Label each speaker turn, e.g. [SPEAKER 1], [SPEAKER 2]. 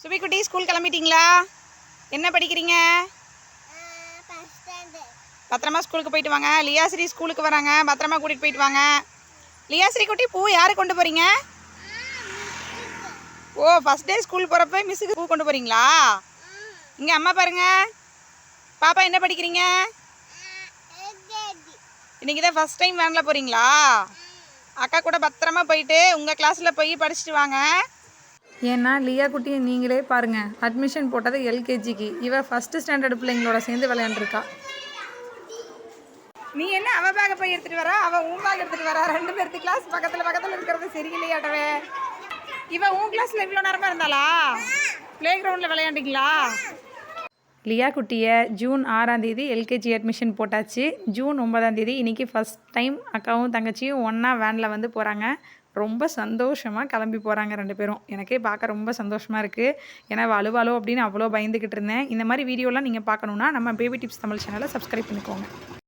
[SPEAKER 1] சுபிக்குட்டி school கிளம்பிட்டீங்களா? என்ன படிக்கிறீங்க? பத்திரமா ஸ்கூலுக்கு போயிட்டு வாங்க. லியாஸ்ரீ ஸ்கூலுக்கு வராங்க, பத்திரமா கூட்டிகிட்டு போயிட்டு வாங்க. லியாஸ்ரீ குட்டி பூ யாரு கொண்டு போகிறீங்க? ஓ, ஃபஸ்ட் டே ஸ்கூல் போகிறப்ப மிஸ்ஸுக்கு பூ கொண்டு போகிறீங்களா? இங்கே அம்மா பாருங்க. பாப்பா என்ன படிக்கிறீங்க? இன்றைக்கி தான் ஃபஸ்ட் டைம் வேனில் போகிறீங்களா? அக்கா கூட பத்திரமா போயிட்டு உங்கள் கிளாஸில் போய் படிச்சுட்டு வாங்க.
[SPEAKER 2] ஏன்னா லியா குட்டியை நீங்களே பாருங்கள், அட்மிஷன் போட்டது எல்கேஜிக்கு. இவள் ஃபஸ்ட்டு ஸ்டாண்டர்டு பிள்ளைங்களோட சேர்ந்து விளையாண்டுருக்கா.
[SPEAKER 1] நீ என்ன அவள் பேக்கை போய் எடுத்துகிட்டு வரா, அவள் உன் பேக் எடுத்துகிட்டு வரா? ரெண்டு பேர்த்து கிளாஸ் பக்கத்தில் இருக்கிறது சரியில்லையாட்டவே. இவள் உன் கிளாஸில் இவ்வளோ நேரமாக இருந்தாளா? ப்ளே கிரவுண்டில் விளையாண்டிங்களா?
[SPEAKER 2] லியா குட்டியை ஜூன் 6ஆம் தேதி எல்கேஜி அட்மிஷன் போட்டாச்சு. ஜூன் 9ஆம் தேதி இன்றைக்கி ஃபஸ்ட் டைம் அக்காவும் தங்கச்சியும் ஒன்றா வேனில் வந்து போகிறாங்க. ரொம்ப சந்தோஷமாக கிளம்பி போகிறாங்க ரெண்டு பேரும். எனக்கே பார்க்க ரொம்ப சந்தோஷமாக இருக்குது. ஏன்னா அழுவாளோ அப்படின்னு அவ்வளோ பயந்துக்கிட்டு இருந்தேன். இந்த மாதிரி வீடியோலாம் நீங்கள் பார்க்கணுன்னா நம்ம பேபி டிப்ஸ் தமிழ் சேனலை சப்ஸ்கிரைப் பண்ணிக்கோங்க.